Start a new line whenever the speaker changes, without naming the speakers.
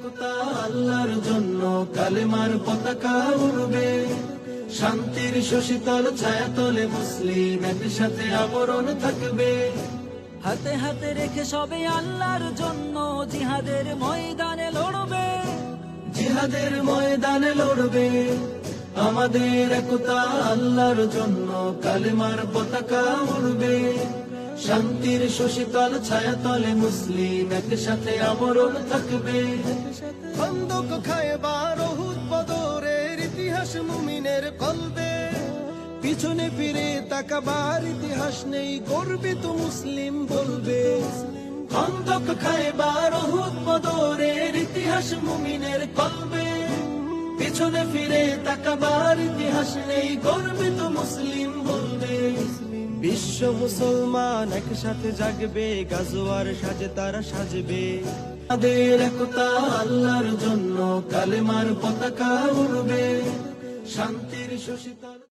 একতা আল্লাহর জন্য কালেমার পতাকা উড়বে, শান্তির শশীতল ছায়াতলে মুসলিম একসাথে আবরণ থাকবে।
হাতে হাতে রেখে সবে আল্লাহর জন্য জিহাদের ময়দানে লড়বে,
জিহাদের ময়দানে লড়বে। আমাদের একতা আল্লাহর জন্য কালেমার পতাকা উড়বে, শান্তির শশীতল ছায়াতলে মুসলিম একসাথে আবরণ থাকবে।
খন্দক খায়বার উহুদ বদরের ইতিহাস মুমিনের কলবে, পিছনে ফিরে তাকাবার ইতিহাস নেই, গর্বিত মুসলিম বলবে।
খন্দক খায়বার উহুদ বদরের ইতিহাস মুমিনের কলবে, পিছনে ফিরে তাকাবার ইতিহাস নেই, গর্বিত মুসলিম বলবে।
বিশ্ব মুসলমান একসাথে জাগবে, গাজোয়ার সাজে তারা সাজবে।
আমাদের একতা আল্লাহর জন্য কালেমার পতাকা উড়বে, শান্তির শশীতল